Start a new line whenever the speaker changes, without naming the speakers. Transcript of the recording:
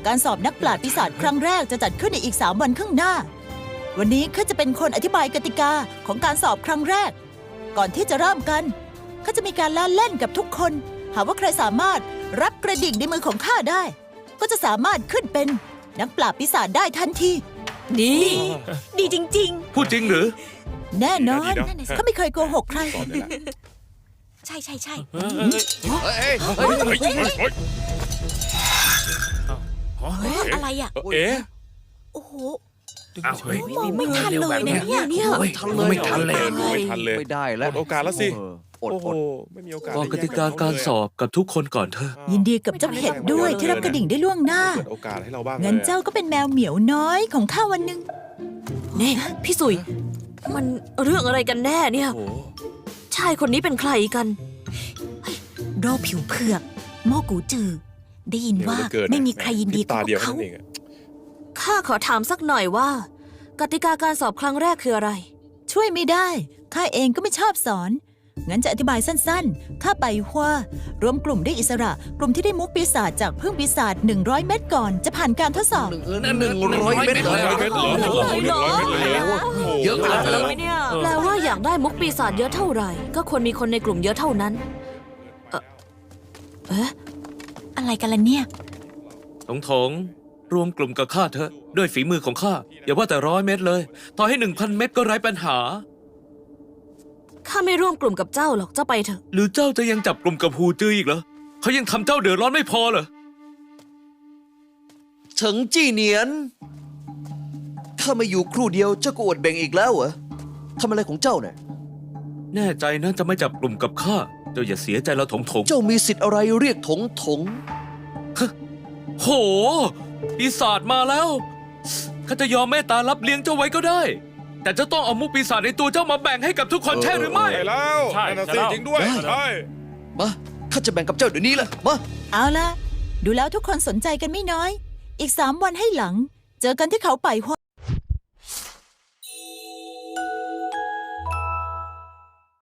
การสอบนักปราชญ์ปีศาจครั้งแรกจะจัดขึ้นในอีก3 วันข้างหน้า วันนี้ข้าจะเป็นคนอธิบายกติกาของการสอบครั้งแรก ก่อนที่จะเริ่มกันข้าจะมีการล่าเล่นกับทุกคน หากว่าใครสามารถรับกระดิ่งในมือของข้าได้ ก็จะสามารถขึ้นเป็นนักปราบปีศาจได้ทันที
ดีจริง
พูดจริงหรือ
แน่นอน
ดีนะ
ข้าไม่เคยโกหกใคร
สอนเลยแหละ
ใช่ อะไรอ่ะ
เอ๊ะ
โอ้โห
อ้าวเฮ้ย
ไม่ทันเลยเนี่ย
ไม่ทันเลยไม่ทันเลย
ไม่ทันเลย
ไม่ได้แล้ว
หมดโอกาสแล้วสิ
อด
โอ้โห
อด
ไม่มีโอกาส
บอกกติกาการสอบกับทุกคนก่อนเถอะ
ยินดีกับเจ้าเห็ดด้วยที่รับกระดิ่งได้ล่วงหน้า
เปิดโอกาสให้เราบ้าง
งั้น
ลยอะ
เจ้าก็เป็นแมวเหมียวน้อยของข้าวันหนึ่ง
เน่พี่สุย มันเรื่องอะไรกันแน่เนี่ย
โอ้โห
ชายคนนี้เป็นใครกันโรคผิวเผือกโมกูจือ ได้ยินว่า
เร็เหลือเกิน
ไม่มีใครยินดี
พริบ
เท่า
ตาเดียว
เขา
นั่นเองอะ
ข้าขอถามสักหน่อยว่า กติกาการสอบครั้งแรกคืออะไร
ช่วยไม่ได้ ข้าเองก็ไม่ชอบสอน งั้นจะอธิบายสั้นๆ ข้าไปว่ารวมกลุ่มได้อิสระ กลุ่มที่ได้มุกปีศาจจากพึ่งปีศาจ100 เม็ดก่อนจะผ่านการทดสอบ
100 เม็ดเลย
100 เม็ดเหรอ
โอ้โห
100 เม็ดเลยเหรอโโห
เยอะขนาดนั้นเลย
แปลว่าอยากได้มุกปีศาจเยอะเท่าไหร่ ก็ควรมีคนในกลุ่มเยอะเท่านั้น อะไรกันล่ะเนี่ย
ถงรวมกลุ่มกับข้าเถอะด้วยฝีมือของข้าอย่าว่าแต่100 เม็ดเลย ต่อให้ 1,000 เม็ดก็ไร้ปัญหา
ข้าไม่ร่วมกลุ่มกับเจ้าหรอก เจ้าไปเถอะ
หรือเจ้าจะยังจับกลุ่มกับฮูจืออีกเหรอเขายังทำเจ้าเดือดร้อนไม่พอเหรอ
เฉิงจี้เหนียน ถ้าไม่อยู่ครู่เดียวเจ้าก็อวดเบ่งอีกแล้วเหรอทำอะไรของเจ้าเนี่ย
แน่ใจนะจะไม่จับกลุ่มกับข้าเจ้าอย่าเสียใจแล้วถง
เจ้ามีสิทธิ์อะไรเรียกถง
โหปีศาจมาแล้วข้าจะยอมเมตตารับเลี้ยงเจ้าไว้ก็ได้ แต่เจ้าต้องเอามุกปีศาจในตัวเจ้ามาแบ่งให้กับทุกคนใช่หรือไม่
ใช่แล้ว
ใช่
นั่นน่ะสิ
ใช่แล้ว
จริงด้วย ใช่
มาข้าจะแบ่งกับเจ้าเดี๋ยวนี้แหละมา
เอาล่ะ ดูแล้วทุกคนสนใจกันไม่น้อย อีก3 วันให้หลัง เจอกันที่เขาไปหัว